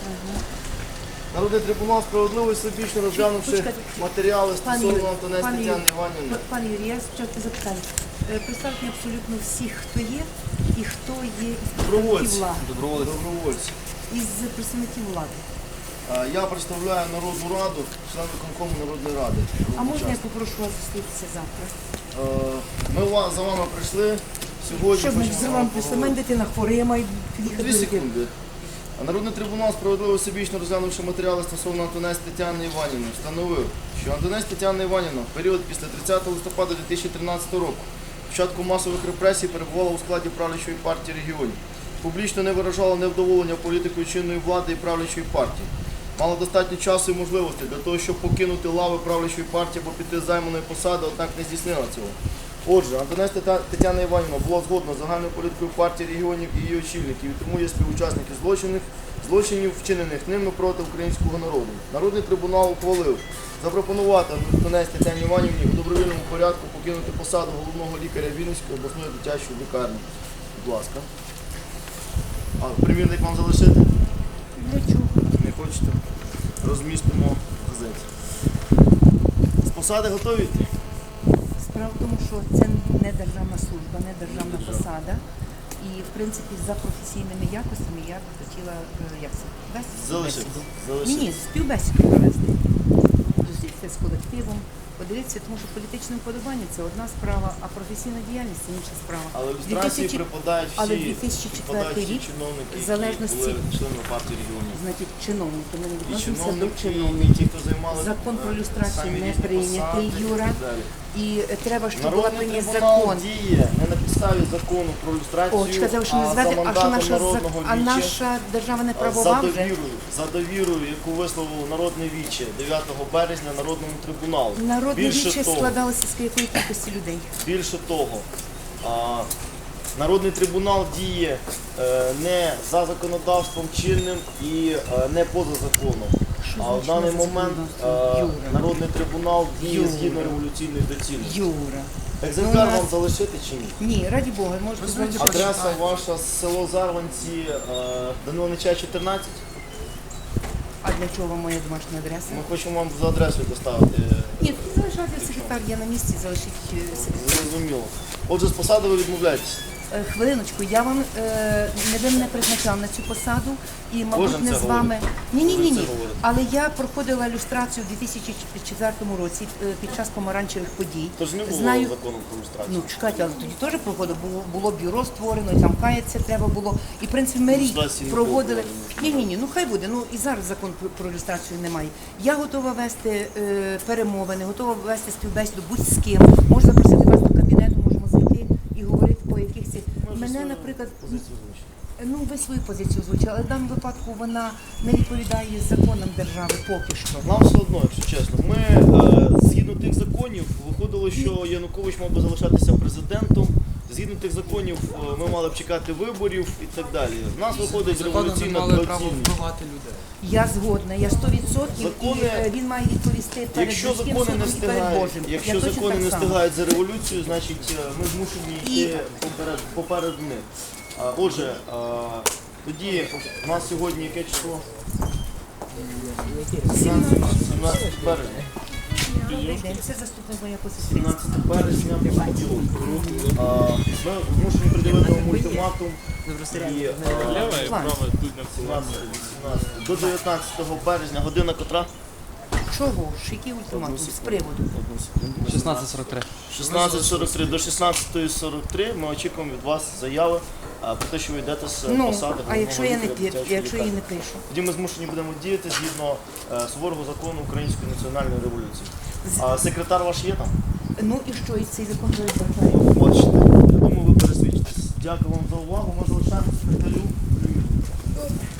Народний трибунал справедливо і всебічно розглянувши матеріали стосовно Антонець Тетяни Іванівни. Пане Юрій, я спочатку запитаю. Представте абсолютно всіх, хто є і хто є із представників влади. Добровольці. Із представників влади. Я представляю Народну Раду, член виконкому Народної Ради. А можна я попрошу вас зустрітися завтра? Ми за вами прийшли сьогодні. Що значить, за вами прийшли? Мене дитина хворіє, має під'їхати. 2 секунди. Народний трибунал справедливо всебічно розглянувши матеріали стосовно Антонець Тетяни Іванівни, встановив, що Антонець Тетяна Іванівна в період після 30 листопада 2013 року, початку масових репресій, перебувала у складі правлячої партії регіонів, публічно не виражала невдоволення політикою чинної влади і правлячої партії, мала достатньо часу і можливостей для того, щоб покинути лави правлячої партії або піти з займаної посади, однак не здійснила цього. Отже, Антонець Тетяна Іванівна була згодна з загальною політикою партії регіонів і її очільників, і тому є співучасники злочинів, вчинених ними проти українського народу. Народний трибунал ухвалив запропонувати Антонець Тетяні Іванівні у добровільному порядку покинути посаду головного лікаря Вінницької обласної дитячої лікарні. Будь ласка. А примірник вам залишити? Для чого? Не хочете? Розмістимо в газеті. З посади готові йти? Справа в тому, що це не державна служба, не державна посада. І, в принципі, за професійними якостями я б хотіла, як це, вести Залишити. Ні, співбесіду провести. Зустрітися з колективом, подивитися, тому що політичне вподобання – це одна справа, а професійна діяльність – це інша справа. Але в ілюстрації припадають Але всі 2004 рік, чиновники, в залежності, які були членами партії регіонів. значить, чиновники, ми не І відносимося до чиновники, і чиновників. ті, хто займали Закон про люстрацію самі не різні прийнятий, посади Юра. і так далі. І треба, щоб була Народний прийнят трибунал закон. діє не на підставі закону про люстрацію, О, чекайте, ви що не а за звете, а що мандатом наша, народного а віче, наша держава не за правова вже? довірою, яку висловив Народне віче 9 березня Народному трибуналу. Народне Більше віче того, складалося з якої кількості людей? Більше того, Народний трибунал діє не за законодавством чинним і не поза законом. Що А в значить даний не за момент законодавством? Юра. Народний трибунал діє Юра. згідно революційної доцільності. Юра. Екземпляр Ну, у вам нас- залишити чи ні? Ні, раді Бога, можете залишити. Адреса ваша село Зарванці, Данила Нечая, 14. А для чого моя домашня адреса? Ми хочемо вам за адресою доставити. Ні, тут залишайте секретар, я на місці, залишіть секретар. Зрозуміло. Отже, з посади ви відмовляєтесь. Хвилиночку, я вам ви мене призначав на цю посаду і, мабуть, Кожен не це з вами. говорить. Ні. Кожен це говорить. Але я проходила люстрацію у 2004 році під час помаранчевих подій. Тож не було Знаю. закону про люстрацію. Ну, чекайте, але тоді теж проходило, було бюро створено, і там каятися треба було. І, в принципі, ми рік Люстрації не проводили. було. Ні, ну хай буде. Ну і зараз закон про люстрацію немає. Я готова вести перемовини, готова вести співбесіду будь з ким. Можу запросити вас до кабінету, можемо зайти і говорити по якихось. Мене, наприклад, Позицію озвучити. ви свою позицію озвучили, але в даному випадку вона не відповідає законам держави поки що. Нам все одно, якщо чесно. Ми, згідно тих законів, виходило, що Янукович мав би залишатися президентом. Згідно тих законів, ми мали б чекати виборів і так далі. В нас виходить Законом не революційна мали право доцільність. вбивати людей. Я згодна, я 100% Закони- і він має відповісти перед Якщо людським закони не судом і перед встигають, Божим. якщо Я точно закони так не само. встигають за революцію, значить ми змушені йти поперед них. Отже, тоді у нас сьогодні яке число? 17 березня. Добрий день, це заступник моя посестрі. 17 березня понеділок. Ми змушені приділити вам ультиматум і Лева і права тут на 17, 18, до 19 березня, година котра? Чого ж? Який ультиматум? З приводу? 16:43. 16:43 до 16:43 ми очікуємо від вас заяви про те, що ви йдете з посади. Ну, а головного якщо я не лікаря п'ю, дитячої якщо я лікарні? не пишу? Тоді ми змушені будемо діяти згідно суворого закону Української національної революції. А секретар ваш є там? Ну і що, і цей закон передбачає? Бачите, я думаю, ви пересвідчитесь. Дякую вам за увагу. Ми залишаємо секретарю.